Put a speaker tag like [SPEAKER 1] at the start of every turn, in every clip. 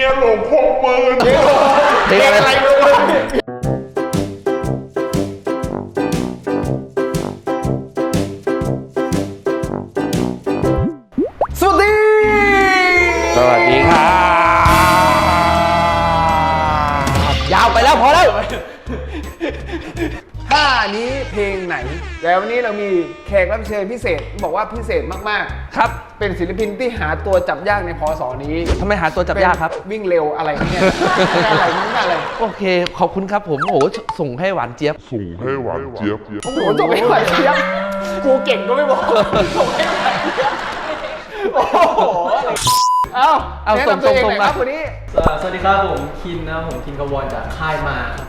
[SPEAKER 1] ยหลงพกปืน
[SPEAKER 2] เพลงอะไร
[SPEAKER 3] สวัสดี
[SPEAKER 2] ครับยาวไปแล้วพอแล้ว
[SPEAKER 3] ท่านี้เพลงไหนแล้ววันนี้เรามีแขกรับเชิญพิเศษบอกว่าพิเศษมากๆ
[SPEAKER 2] ครับ
[SPEAKER 3] เป็นศิลปินที่หาตัวจับยากในพศนี้
[SPEAKER 2] ทำไมหาตัวจับยากครับ
[SPEAKER 3] วิ่งเร็วอะไรเนี่ยอะไรนั่นอะไร
[SPEAKER 2] โอเคขอบคุณครับผมโอ้โหส่งให้หวานเจี๊ยบ
[SPEAKER 1] ส่งให้หวานเจี๊ยบ
[SPEAKER 3] โอ้โหส่งให้หวานเจี๊ยบกูเก่งก็ไม่บอกส่งให้หวานเจี๊ยบโอ้โหเอาแนะนำตัวเองหน่อยครับวันนี้
[SPEAKER 4] สวัสดีครับผมคินนะครับผมคินกวอนจากค่ายมาครับ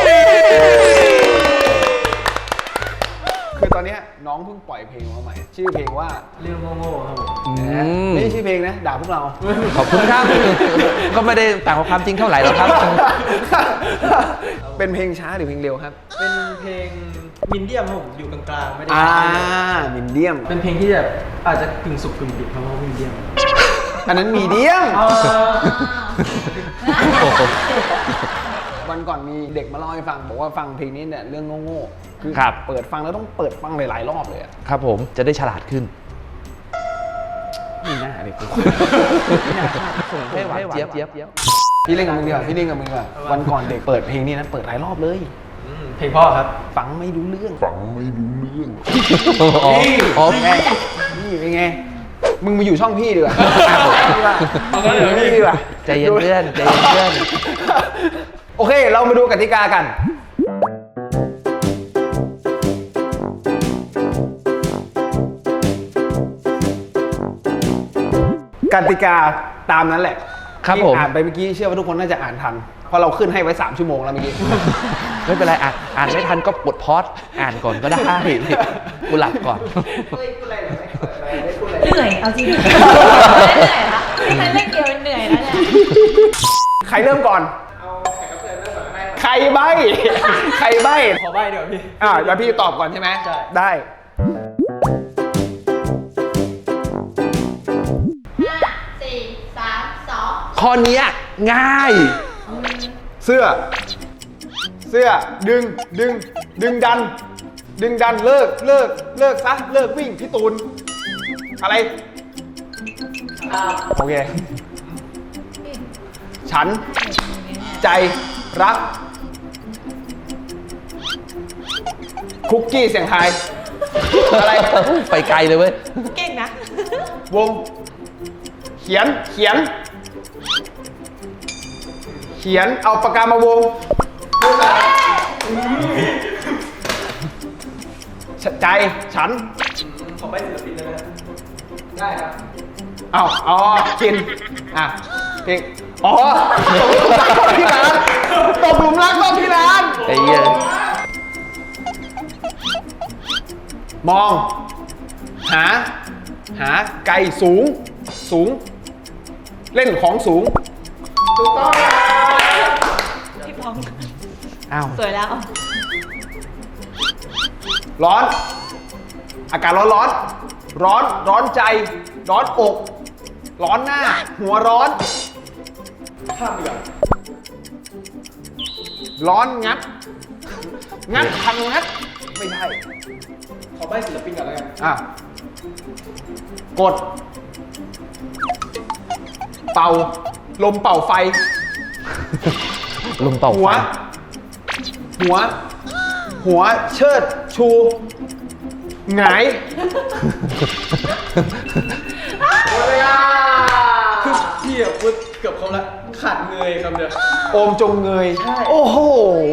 [SPEAKER 3] คือตอนนี้น้องเพิ่งปล่อยเพลงมาใหม่ชื่อเพลงว่า
[SPEAKER 4] เรื่องโง่ๆครับผม
[SPEAKER 3] ไม่ใช่ชื่อเพลงนะด่าพวกเรา
[SPEAKER 2] ขอบคุณครับก็ไม่ได้ต่างกับความจริงเท่าไหร่หรอกครับ
[SPEAKER 3] เป็นเพลงช้าหรือเพลงเร็วครับ
[SPEAKER 4] เป็นเพลงมินเดียมครับผมอยู่กลางๆไม่ได้
[SPEAKER 3] มินเดียม
[SPEAKER 4] เป็นเพลงที่แบบอาจจะกึ่งสุกกึ่งดิบเพราะว่ามินเดียม
[SPEAKER 3] อันนั้นมีเดียมวันก่อนมีเด็กมาเล่าให้ฟังบอกว่าฟังเพลงนี้เนี่ยเรื่องโง่ๆคือเปิดฟังแล้วต้องเปิดฟังหลายๆรอบเลย
[SPEAKER 2] ครับผมจะได้ฉลาดขึ้น
[SPEAKER 3] นี่น่าเด็ก
[SPEAKER 2] ส่งให้หวานเจี๊ยบ
[SPEAKER 3] พี่เล่นกับมึงดีกว่าพี่เล่นกับมึงดีกว่าวันก่อนเด็กเปิดเพลงนี้นะเปิดหลายรอบเลย
[SPEAKER 4] เพลงพ่อครับ
[SPEAKER 3] ฟังไม่รู้เรื่อง
[SPEAKER 2] อ๋อ
[SPEAKER 3] นี่เป็นไงมึงมาอยู่ช่องพี่ดีกว่าพี่ดีกว่า
[SPEAKER 2] ใจเย็นเพื่อนใจเย็นเพื่อน
[SPEAKER 3] โอเคเรามาดูกติกากันกติกาตามนั้นแหละ
[SPEAKER 2] ครับผม
[SPEAKER 3] อ่านไปเมื่อกี้เชื่อว่าทุกคนน่าจะอ่านทันเพราะเราขึ้นให้ไว้3 ชั่วโมงแล้วเมื่อกี้
[SPEAKER 2] ไม่เป็นไรอ่านไม่ทันก็ปลดพอดอ่านก่อนก็ได้กูหลับก่อน
[SPEAKER 5] เหนื่อยเอาจริงเหนื่อยละที่มันเล่นเกมเหนื่อยแล้วเนี่ย
[SPEAKER 3] ใครเริ่มก่อนใครใบ้
[SPEAKER 4] ขอใบ้เดี๋ยวพี่
[SPEAKER 3] แล้วพี่ตอบก่อนใช่ไหมได้
[SPEAKER 2] ข้อนี้ง่าย
[SPEAKER 3] เสื้อดึงดันเลิกซะเลิกวิ่งพี่ตูนอะไรโอเคฉันใจรักคุกกี้เสียงไทยอะไร
[SPEAKER 2] ไปไกลเลยเว้ย
[SPEAKER 5] เก่งนะ
[SPEAKER 3] วงเขียนเอาปากกามาวงใจฉัน
[SPEAKER 4] ขอใบ้ศิลปินได้ไหมได้ครับ
[SPEAKER 3] กินเพลงตกหลุมรักที่ร้าน
[SPEAKER 2] ไอ้เหี้ย
[SPEAKER 3] มองหาไกลสูงเล่นของสูงถูกต้อง
[SPEAKER 5] พี่พองสวยแล้ว
[SPEAKER 3] ร้อนอากาศร้อนใจร้อนอกร้อนหน้าหัวร้อน
[SPEAKER 4] ข้ามไปก่อน
[SPEAKER 3] ร้อนงัดทำงัดไม่ใช่
[SPEAKER 4] ขอใบ้ศิลปินก่อนแล้วกัน
[SPEAKER 3] กดเป่าลมเป่าไฟหัวเชิดชูหงาย
[SPEAKER 4] คือพี่พูดเกือบครบแล้วขาดเงยคำเดียว
[SPEAKER 3] โอมจงเงยโอ้โห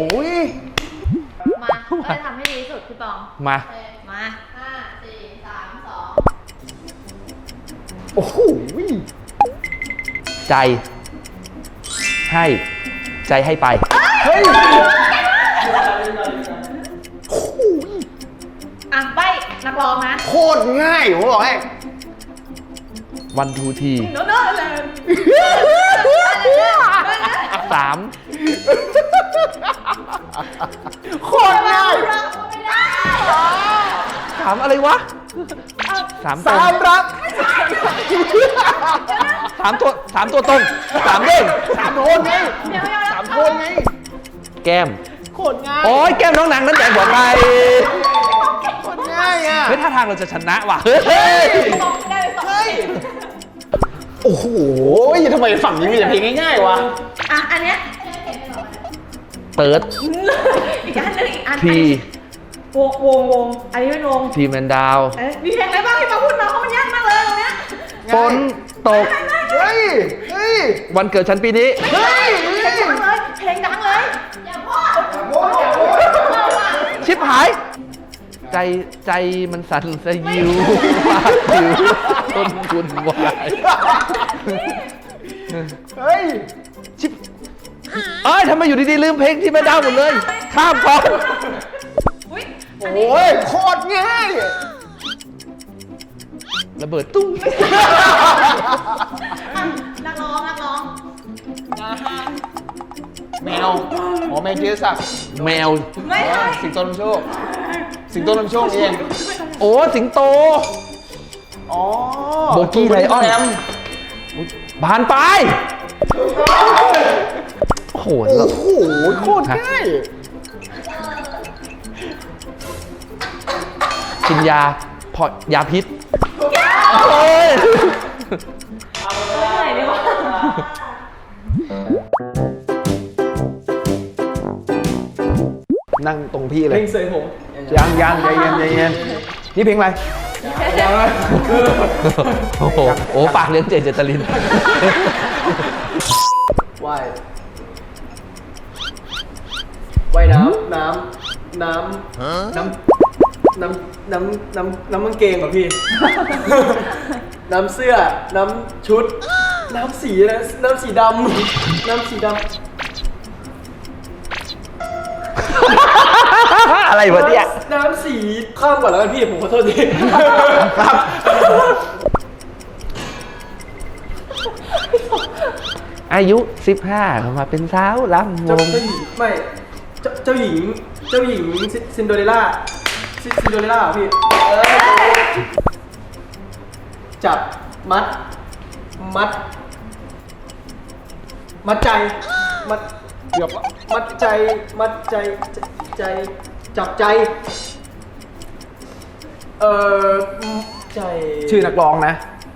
[SPEAKER 5] มาเราจะทำให้ดีที่สุดพี่ปอง
[SPEAKER 2] มา
[SPEAKER 5] 5 4 3 2
[SPEAKER 3] โอ้โห
[SPEAKER 2] ใจให้ไป
[SPEAKER 3] เฮ้ย
[SPEAKER 5] ใบ้นักร้องนะ
[SPEAKER 3] โคตรง่ายผมบอกให้
[SPEAKER 2] วันทูที
[SPEAKER 5] โน้ตเลย
[SPEAKER 2] 3
[SPEAKER 3] โคตรง่าย
[SPEAKER 2] ถามอะไรวะ
[SPEAKER 3] 3รัก
[SPEAKER 2] ถามตัวตรงถามเด้ง
[SPEAKER 3] 3 โทนไง
[SPEAKER 5] เดี๋ยว
[SPEAKER 3] 3 โทนไง
[SPEAKER 2] แก้ม
[SPEAKER 3] โคตรง่าย
[SPEAKER 2] โอ้ยแก้มน้องนางนั้นใหญ่กว่าใคร
[SPEAKER 3] โคตรง่ายอ่ะ
[SPEAKER 2] เฮ้ยท่าทางเราจะชนะว่ะเฮ้ย
[SPEAKER 5] ได้ไปสอง
[SPEAKER 3] เฮ้ย โอ้โหทำไมฝั่งนี้มีแต่เพลงง่ายๆวะ
[SPEAKER 5] อ่ะอันเนี้ย
[SPEAKER 2] เติร์ด
[SPEAKER 5] อีกอันหนึงอีกอัน
[SPEAKER 2] ที
[SPEAKER 5] วงอันนี้เป็นวง
[SPEAKER 2] ทีแมนดาว
[SPEAKER 5] มีเพลงอะไรบ้างที่มาพูดมาเพราะมันยากมากเลยตรงเนี้ย
[SPEAKER 2] ฝนตก
[SPEAKER 3] เฮ้ย เฮ้ย
[SPEAKER 2] วันเกิดฉันปีนี้
[SPEAKER 3] เฮ้ย
[SPEAKER 5] เพลงดังเลยเพลงดังเลยอย่าพูด
[SPEAKER 2] ชิบหาย ใจมันสั่นสยิวปากผิวต้นคุณวาย
[SPEAKER 3] เฮ้ย
[SPEAKER 2] เอ้ยทำไมอยู่ดีๆลืมเพลงที่แม่ดาวหมดเลย ข้ามก่อน
[SPEAKER 5] อุ้ย
[SPEAKER 3] โอ้ย โคตรง่าย
[SPEAKER 2] ระเบิดตุ้ง
[SPEAKER 5] นักร้อง
[SPEAKER 3] แมวอ๋อแมวเจสัก
[SPEAKER 2] แมว
[SPEAKER 5] ไม่ใช่
[SPEAKER 3] สิงโตนำโชค สิงโตนำโชคเอง
[SPEAKER 2] โอ้สิงโต
[SPEAKER 3] อ๋อ
[SPEAKER 2] โบกี้ไลออน
[SPEAKER 3] แรม
[SPEAKER 2] ผ่านไป โอ้โห
[SPEAKER 3] โอ้โห โคตรง่าย
[SPEAKER 2] กินยาพอยาพิษโอ้ย
[SPEAKER 5] ไหนดีวะ
[SPEAKER 3] นั่งตรงพี่เล
[SPEAKER 4] เพล
[SPEAKER 3] ย
[SPEAKER 4] งเสยผม
[SPEAKER 3] ยังใจเย็นนี่เพลงอะไร
[SPEAKER 2] โอ้โหโอ้ปากเลี้ยงเจเจตลิน
[SPEAKER 4] ว่ายว่ายน้ำน้ำกางเกงเหรอพี่ น้ำเสื้อ น้ำชุด น้ำสีนะน้ำสีดำ น้ำสีดำ
[SPEAKER 2] อะไรวะเนี่ย
[SPEAKER 4] น้ำสีข้ามก่อนแล้วกันพี่ผมขอโทษที
[SPEAKER 3] ครับ
[SPEAKER 2] อายุ 15เขามาเป็นสาวลำว
[SPEAKER 4] เจ้าง หญิงไม่เจ้าหญิงซินโดเรลล่าซินโดเรลล่าเหรอพี่จับมัดใจเกือบมัดใจจับใจใจ
[SPEAKER 3] ชื่อนักร้องนะ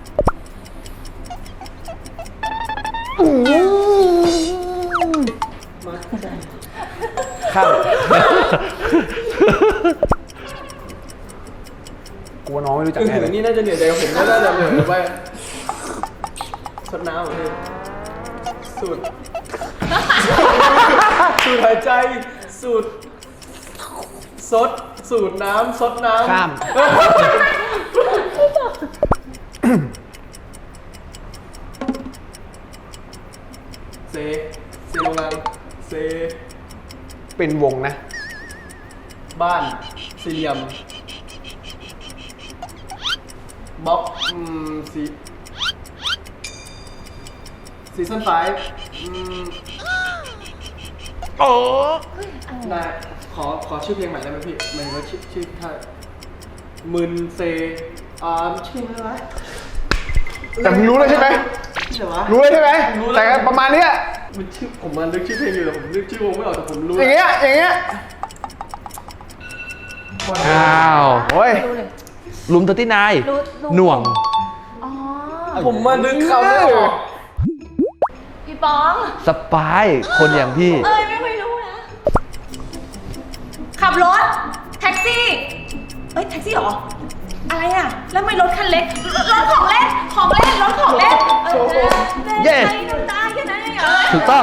[SPEAKER 4] มัดใจ
[SPEAKER 3] ข้ามกลัวน้องไม่รู้จัก
[SPEAKER 4] ถึง
[SPEAKER 3] แน่เลย
[SPEAKER 4] นี่น่าจะเหนื่อยใจกับผมน่าจะเหนื่อยไปสดน้ำเหรอพี่สูดหายใจสูดสูดน้ำซดน้ำ
[SPEAKER 3] ข้าม
[SPEAKER 4] เซโรงงานเซ
[SPEAKER 3] เป็นวงนะ
[SPEAKER 4] บ้านสี่เหลี่ยมบล็อกซีซั่น5
[SPEAKER 2] โอ้
[SPEAKER 4] ได้ขอชื่อเพลงใหม่ได้ไหมพี่หมายถึงว่าชื่อท่ามึนเซชื่ออะไรวะ
[SPEAKER 3] แต่มึงรู้เลยใช่ไหม
[SPEAKER 4] ชื่ออะไรวะ
[SPEAKER 3] รู้เลยใช่ไหม
[SPEAKER 4] รู้แล้ว
[SPEAKER 3] แต่ประมาณเนี้ย
[SPEAKER 4] มันชื่อผมมันนึกชื่อเพลงอยู่แต่ผมนึกชื่อวงไม่ออกแต่ผมรู้
[SPEAKER 3] อย่างเงี้ย อย่างเงี้ย
[SPEAKER 2] อ้าว
[SPEAKER 3] โอ้ย
[SPEAKER 2] ลุมเตอร์ตี้นาย
[SPEAKER 5] รู้
[SPEAKER 2] หน่วง
[SPEAKER 5] อ๋อ
[SPEAKER 4] ผมมานึกเขาไม่ออก
[SPEAKER 5] พี่ป๋อง
[SPEAKER 2] สปาย คนอย่างพี่
[SPEAKER 5] ไม่ค่อยรู้นะ ขับรถ แท็กซี่ แท็กซี่เหรอ อะไรอ่ะ แล้วทำไม่รถคันเล็ก รถของเล่น รถของเล่น
[SPEAKER 2] เย้
[SPEAKER 5] ดูตาแค่นั้นเองเหรอ
[SPEAKER 2] ถูกต้อง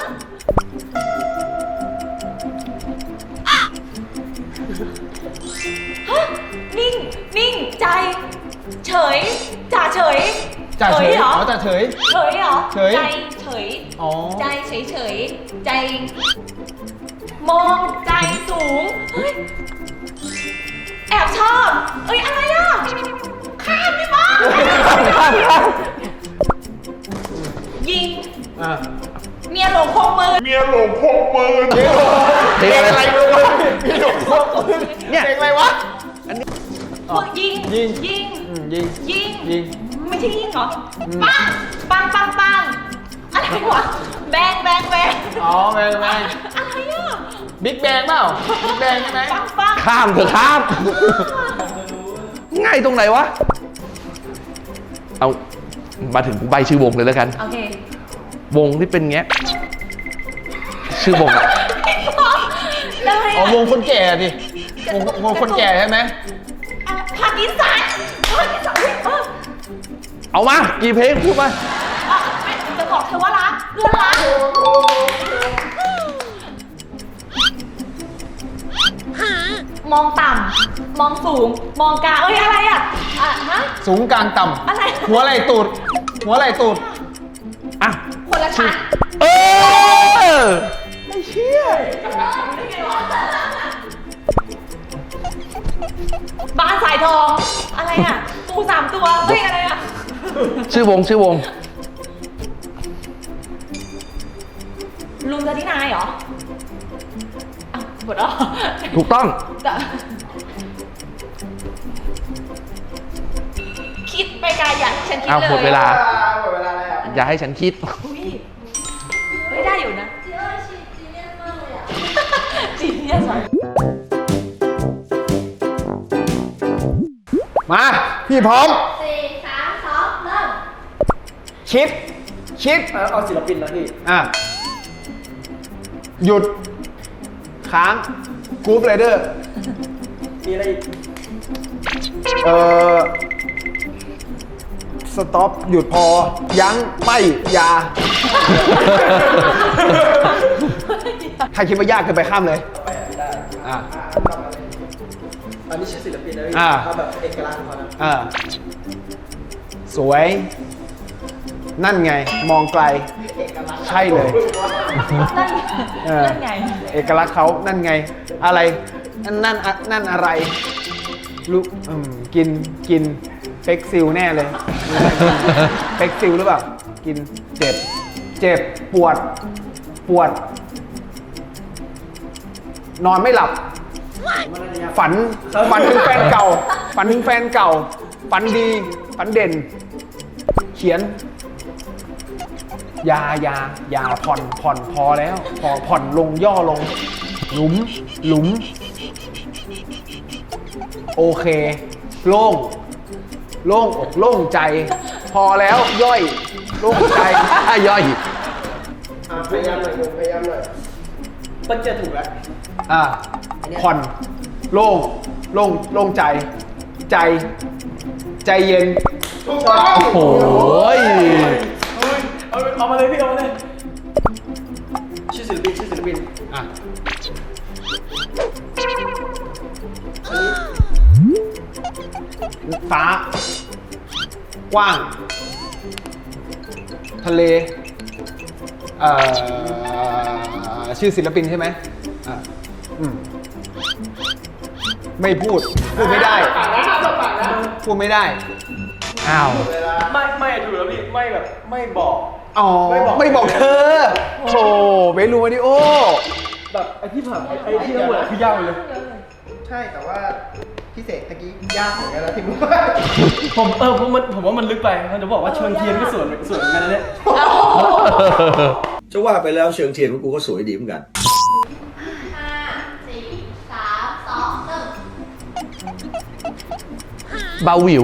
[SPEAKER 5] นิ่ง ใจ เฉย จ่าเฉย
[SPEAKER 3] จ่าเฉย
[SPEAKER 5] เหรอ
[SPEAKER 3] อ๋อจ่าเฉย
[SPEAKER 5] เฉยเหรอ
[SPEAKER 3] เฉย
[SPEAKER 5] ใจเฉย
[SPEAKER 3] อ๋อ
[SPEAKER 5] ใจเฉย ใจ มองใจสูง เฮ้ย แอบชอบ อะไรอ่ะ ข้ามพี่บ้ายิง
[SPEAKER 3] อ่ะ
[SPEAKER 5] เมียหลงคงมือ
[SPEAKER 1] เมียหลงพกปืน
[SPEAKER 2] เพลงอะไร
[SPEAKER 3] ไม่รู้มีหลวงพ่อปืน
[SPEAKER 2] เนี่ย
[SPEAKER 3] เพลงอะไรวะ
[SPEAKER 5] ยิง
[SPEAKER 3] ยิง
[SPEAKER 5] ยิง
[SPEAKER 3] ยิง
[SPEAKER 5] ยิง
[SPEAKER 3] ยิง
[SPEAKER 5] ไม่ใช่ยิ่งเหรอ ปัง ปัง ปัง ปัง อะไรวะ แบง แบง แบง
[SPEAKER 3] อ๋อแม่ง
[SPEAKER 5] อะไรอ่ะ
[SPEAKER 3] บิ๊กแบงเปล่าบิ๊กแบงใช่ไหม
[SPEAKER 5] ปัง ปัง
[SPEAKER 2] ข้ามเถอะข้าม ง่ายตรงไหนวะ เอามาถึงกูใบชื่อวงเลยแล้วกัน
[SPEAKER 5] โอเค
[SPEAKER 2] วงที่เป็นเงี้ย ชื่อวงอะ
[SPEAKER 5] ได้
[SPEAKER 3] อ๋อ
[SPEAKER 5] อะ
[SPEAKER 3] วงคนแก่ดิวงคนแก่ใช่ไหม
[SPEAKER 5] ปากีสถานปากีสถาน
[SPEAKER 2] เอามา กี่เพลงพูดมา
[SPEAKER 5] จะบอกเธอว่ารักเพื่อนรักมองต่ำ มองสูง มองกลางเอ้ยอะไรอ่ะฮะ
[SPEAKER 3] สูงกลางต่
[SPEAKER 5] อะไร
[SPEAKER 3] ำหัวไหล่ตูด หัวไหล่ตูด
[SPEAKER 2] อ่ะ
[SPEAKER 5] คนละชั้น
[SPEAKER 2] เออ
[SPEAKER 5] บ้านสายทอง อะไรอ่ะ ปู3 ตัวเฮ้ยอะไรอ่ะ
[SPEAKER 2] ชื่อวง ชื่อวง
[SPEAKER 5] ลุงจะที่นายเหรออ้าวหมดแล้ว
[SPEAKER 2] ถูกต้อง
[SPEAKER 5] คิดไปไกลอย่างที่ฉันคิด
[SPEAKER 2] เอา
[SPEAKER 5] เลย
[SPEAKER 2] หมดเวลา
[SPEAKER 3] หมดเวลาแล้ว
[SPEAKER 2] อย่าให้ฉันคิด
[SPEAKER 5] อุ๊ยเฮ้ยได้อยู่นะจีเนียสมากเลย
[SPEAKER 3] มา พี่พร้อม
[SPEAKER 6] 4 3 2 เริ่ม
[SPEAKER 3] คิด
[SPEAKER 4] เอาศิลปินนะพี่
[SPEAKER 3] อ่ะ หยุด ค้างกรุ๊ปไรเดอร์
[SPEAKER 4] มีอะไรอีก
[SPEAKER 3] สต็อป หยุดพอ ยั้ง ไม่อยา ใครคิดว่ายากเกินไปข้ามเลย อ่ะ
[SPEAKER 4] อันนี้ชื่อศิลปินนะพี่
[SPEAKER 3] อ่า
[SPEAKER 4] เอาแบบเอกลักษณ์ของเขานะ
[SPEAKER 3] อ่ะ สวย นั่นไง มองไกล ใช่เลย
[SPEAKER 5] นั่น
[SPEAKER 3] เออ
[SPEAKER 5] นั่นไง
[SPEAKER 3] เอกลักษณ์เขานั่นไง อะไร นั่นอะไรลูกกินเฟกซิลแน่เลยเฟกซิลหรือเปล่า กินเจ็บ ปวด นอนไม่หลับ ฝันถึงแฟนเก่า ฝันถึงแฟนเก่า ฝันดี ฝันเด่น เขียน ยาผ่อนพอแล้ว พอผ่อนลงย่อลง หลุม โอเค โล่งอกโล่งใจ พอแล้วย่อย โล่งใจ
[SPEAKER 2] ย่อย
[SPEAKER 4] พยายามหน่อยลุงพยายามหน่อยต้นเจอถูกแล้ว
[SPEAKER 3] ผ่อนโล่งใจเย็น
[SPEAKER 2] โอ้ย
[SPEAKER 4] เอามาเลยพี่เอามาเลย ชื่อศิลปิน
[SPEAKER 3] อ่ะฟ้ากว้าง ทะเลชื่อศิลปินใช่ไหมอ่ะไม่พูดไม่ได้ พูดไม่ได้
[SPEAKER 2] อ้าว
[SPEAKER 4] ไม่ถูกแล้วพี่ไม่แบบไม่บอก
[SPEAKER 3] อ๋อ ไม่บอกเธอโอ้เวลูมาริโอ
[SPEAKER 4] แบบไอ้ที่ผ่านไอ้ที่ทั้งหมดคือยากเลย
[SPEAKER 7] ใช่แต่ว่าพี่เสกตะกี้ยากเหมือนกันนะพี่บุ๊ค
[SPEAKER 4] ผมว่ามันลึกไปมันจะบอกว่าเชิญเทียนก็สวยเหมือนกันนะเนี่ย
[SPEAKER 8] จะว่าไปแล้วเชิงเทียนของกูก็สวยดีเหมือนกัน
[SPEAKER 6] 5 4 3 2 เริ่ม
[SPEAKER 2] เบาหวิว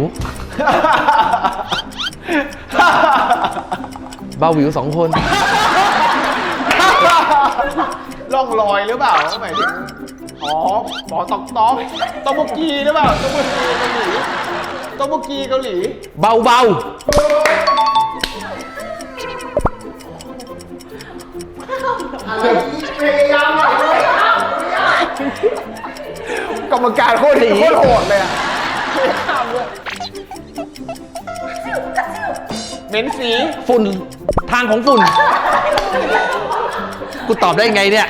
[SPEAKER 2] เบาหวิว2 คน
[SPEAKER 3] ล่องลอยหรือเปล่าหมายถึงอ๋อหมอตอกโบกีหรือเปล่าตอกโบกีเกาหลี
[SPEAKER 2] เบาเบา
[SPEAKER 3] กรรมการโคตรโหดเลยอ่ะเหม็นสี
[SPEAKER 2] ฝุ่น ทางของฝุ่น กูตอบได้ไงเนี่ย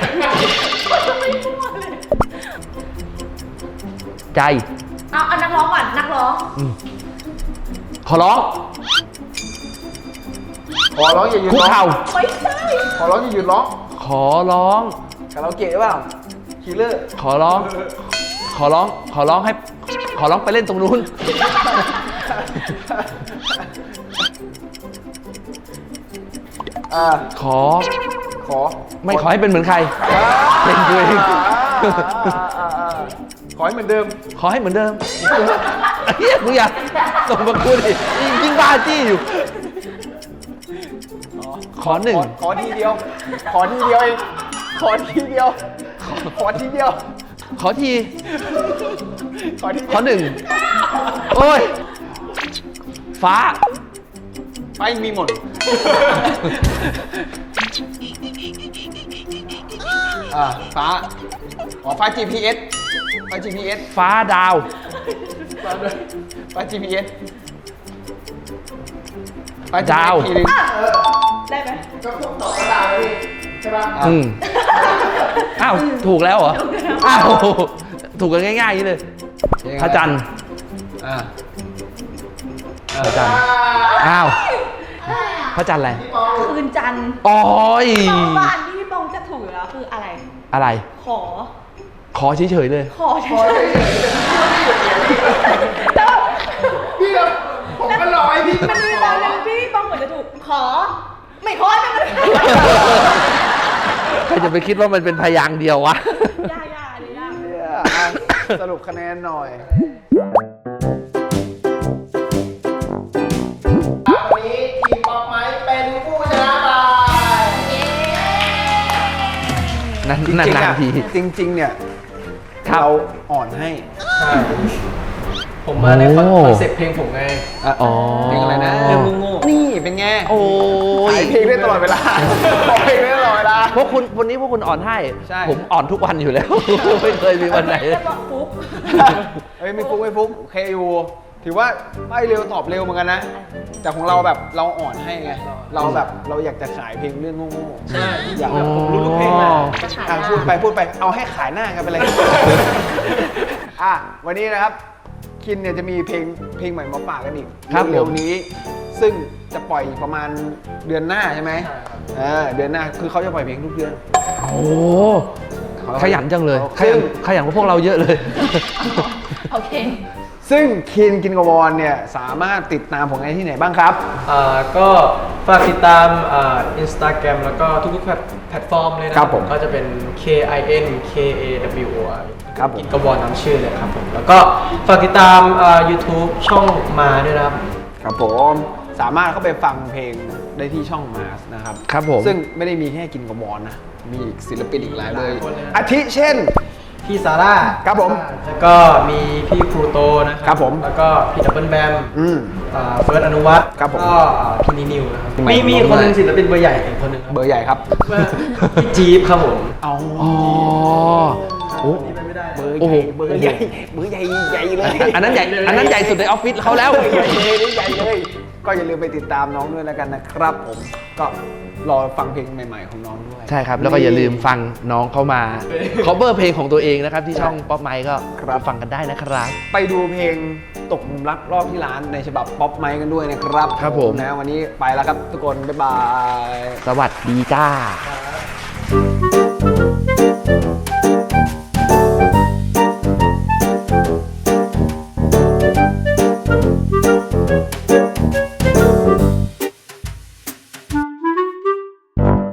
[SPEAKER 2] ใจ
[SPEAKER 5] เอานักร้องก่อน นักร้อง
[SPEAKER 2] ขอร้อง
[SPEAKER 3] ขอร้องอย่าหยุด
[SPEAKER 2] คุก
[SPEAKER 3] ร้อง
[SPEAKER 2] เข่า
[SPEAKER 5] ไม่ใช่
[SPEAKER 3] ขอร้องอย่าหยุดร้อง
[SPEAKER 2] ขอร้อง
[SPEAKER 3] คาราโอเกะหรือเปล่าคิลเลอร์
[SPEAKER 2] ขอร้อง ขอร้องไปเล่นตรงนู้นขอ
[SPEAKER 3] ขอ
[SPEAKER 2] ไม่ขอให้เป็นเหมือนใคร เป็นตัวเอง
[SPEAKER 3] ขอให้เหมือนเดิม
[SPEAKER 2] ขอให้เหมือนเดิมเฮียมึงอย่าส่งมากูดิยิ่งบ้าจี้อยู่ ขอหนึ่ง
[SPEAKER 3] ขอทีเดียว ขอทีเดียวเอง ขอทีเดียว ขอทีเดียว
[SPEAKER 2] ขอที
[SPEAKER 3] ขอทีเดียว
[SPEAKER 2] ขอหนึ่งโอ้ย ฟ้า
[SPEAKER 3] ไปมีหมด ฟ้า อ๋อ ฟ้า GPS ฟ้า GPS
[SPEAKER 2] ฟ้าดาว
[SPEAKER 3] ฟ้า GPS ฟ้า
[SPEAKER 2] ดาว
[SPEAKER 3] ทีนึง
[SPEAKER 5] ได้ไหม
[SPEAKER 7] ก็พวกต่อกระดาษเลยใช่ป่ะ
[SPEAKER 2] อ้าว ถูกแล้วเหรอ อ้าว ถูกกันง่ายๆอย่างนี้เลย พระจันทร์
[SPEAKER 3] อ่า
[SPEAKER 2] พระจันทร์ อ้าว พระจันทร์อะไร
[SPEAKER 5] คืนจันทร์
[SPEAKER 2] โอ้ย
[SPEAKER 5] สองบ้านที่พี่ปองจะถูกแล้วคืออะไร
[SPEAKER 2] อะไร
[SPEAKER 5] ขอ
[SPEAKER 2] ขอเฉยๆเลย
[SPEAKER 5] ขอเฉยๆแล้ว
[SPEAKER 7] พี่เราผมก็รอให้พี่
[SPEAKER 5] มันมีตอนหนึงที่พี่ปองเหมือนจะถูก ขอ ไม่ขอให้มัน
[SPEAKER 2] ใครจะไปคิดว่ามันเป็นพยางค์เดียววะ
[SPEAKER 5] ยากยากอันนี้ยาก
[SPEAKER 3] สรุปคะแนนหน่อย
[SPEAKER 7] วันนี้ทีมป๊อปไม้เป็นผู้ชนะไป
[SPEAKER 2] นานๆที
[SPEAKER 3] จริงๆเนี่ย
[SPEAKER 2] ครับ
[SPEAKER 3] เราอ่อนให้
[SPEAKER 4] ใช่ ผมมาในคอน
[SPEAKER 2] โอ้
[SPEAKER 4] เซ็ปต์เพลงผมไง
[SPEAKER 2] อ๋อ
[SPEAKER 3] เพลงอะไรนะ
[SPEAKER 4] เรื่องโง่ๆ
[SPEAKER 3] นี่เป็นไง
[SPEAKER 2] โอ้ย
[SPEAKER 3] ขายเพลงได้ตลอดเวลาขายเพลงได้ตลอดเวลา
[SPEAKER 2] พวกคุณวันนี้พวกคุณอ่อนให้
[SPEAKER 3] ใช่
[SPEAKER 2] ผมอ่อนทุกวันอยู่แล้ว ไม่เคยมีวันไหน
[SPEAKER 5] จะบอกปุ๊บ
[SPEAKER 3] เอ้ยไม่ฟุกไม่ฟุกโอเคอยู่ถือว่าไม่เร็วตอบเร็วเหมือนกันนะ แต่ของเราแบบเราอ่อนให้ไง เราแบบเราอยากจะขายเพลงเรื่องโง่ๆ
[SPEAKER 4] ใช่
[SPEAKER 3] อยาก
[SPEAKER 2] อ๋อ
[SPEAKER 3] ผมรู้ทุกเพลงนะ
[SPEAKER 5] ขาย
[SPEAKER 3] อ่ะ
[SPEAKER 5] ได้
[SPEAKER 3] พูดไปเอาให้ขายหน้ากันไปเลย อ่ะวันนี้นะครับคินเนี่ยจะมีเพลงใหม่มาฝากกันอีก
[SPEAKER 2] ครับผม
[SPEAKER 3] เร็วๆนี้ ซึ่งจะปล่อยประมาณเดือนหน้าใช่ไหมเดือนหน้าคือเขาจะปล่อยเพลงทุกเดือน
[SPEAKER 2] โอ้ขยันจังเลย
[SPEAKER 3] ซึ่ง
[SPEAKER 2] ขยันกว่าพวกเราเยอะเลย
[SPEAKER 5] โอเค
[SPEAKER 3] ซึ่งคินกินกบอลเนี่ยสามารถติดตามผลงานที่ไหนบ้างครับ
[SPEAKER 4] ก็ฝากติดตามInstagram แล้วก็ทุกๆแพลตฟอร์มเลยนะครับ
[SPEAKER 3] ผม
[SPEAKER 4] ก็จะเป็น KINKAWOR
[SPEAKER 3] ครับผม
[SPEAKER 4] กินกระวอนน้ำชื่อเลยครับผม แล้วก็ฝากติดตาม YouTube ช่องมาด้วยนะครับ
[SPEAKER 3] ครับผมสามารถเข้าไปฟังเพลงได้ที่ช่องมาสนะครับ
[SPEAKER 2] ครับผม
[SPEAKER 3] ซึ่งไม่ได้มีแค่กินกบอลนะ มีอีกศิลปินอีกหลายเลย
[SPEAKER 4] หลายคนเลยนะ
[SPEAKER 3] อาทิเช่น
[SPEAKER 4] พี่ซาร่า
[SPEAKER 3] ครับผม
[SPEAKER 4] แล้วก็มีพี่พลูโตนะค
[SPEAKER 3] ครั
[SPEAKER 4] รับ
[SPEAKER 3] ผม
[SPEAKER 4] แล้วก็พี่ดับเบิลแบม เฟิร์สอนุวัฒน์
[SPEAKER 3] ครับผม
[SPEAKER 4] ก็พี่นินิวนะครับ
[SPEAKER 3] ใหม่
[SPEAKER 4] มี
[SPEAKER 3] ของ
[SPEAKER 4] คนหนึง
[SPEAKER 3] ใหม่
[SPEAKER 4] ศิลปินเบอร์ใหญ่อีกคนหนึงครับ
[SPEAKER 3] เบอร์ใหญ่ครับ
[SPEAKER 4] พี่จี๊บครับผม
[SPEAKER 3] เอา
[SPEAKER 2] อ๋อโอ้
[SPEAKER 3] เบอร์
[SPEAKER 2] โอ้
[SPEAKER 3] ให
[SPEAKER 2] โห
[SPEAKER 3] ญ่เบอร์ใหญ่เบอร์ใหญ่ใหญ่เลย
[SPEAKER 2] อันนั้นใหญ่ อันนั้นใหญ่สุดในออฟฟิศเขาแล้ว
[SPEAKER 3] ใหญ่เลยใหญ่เลย ก็อย่าลืมไปติดตามน้องด้วยแล้วกันนะครับผมก็รอฟังเพลงใหม่ๆของน้องด้วย
[SPEAKER 2] ใช่ครับ แล้วก็อย่าลืมฟังน้องเข้ามา cover เพลงของตัวเองนะครับ ที่ช่องป๊อปไมค์ก็
[SPEAKER 3] ครับ
[SPEAKER 2] ฟังกันได้นะครับ
[SPEAKER 3] ไปดูเพลงตกหลุมรักรอบที่ร้านในฉบับป๊อปไมค์กันด้วยนะครับ
[SPEAKER 2] ครับผม
[SPEAKER 3] นะวันนี้ไปแล้วครับทุกคน บ๊ายบาย
[SPEAKER 2] สวัสดีจ้า
[SPEAKER 4] ครับ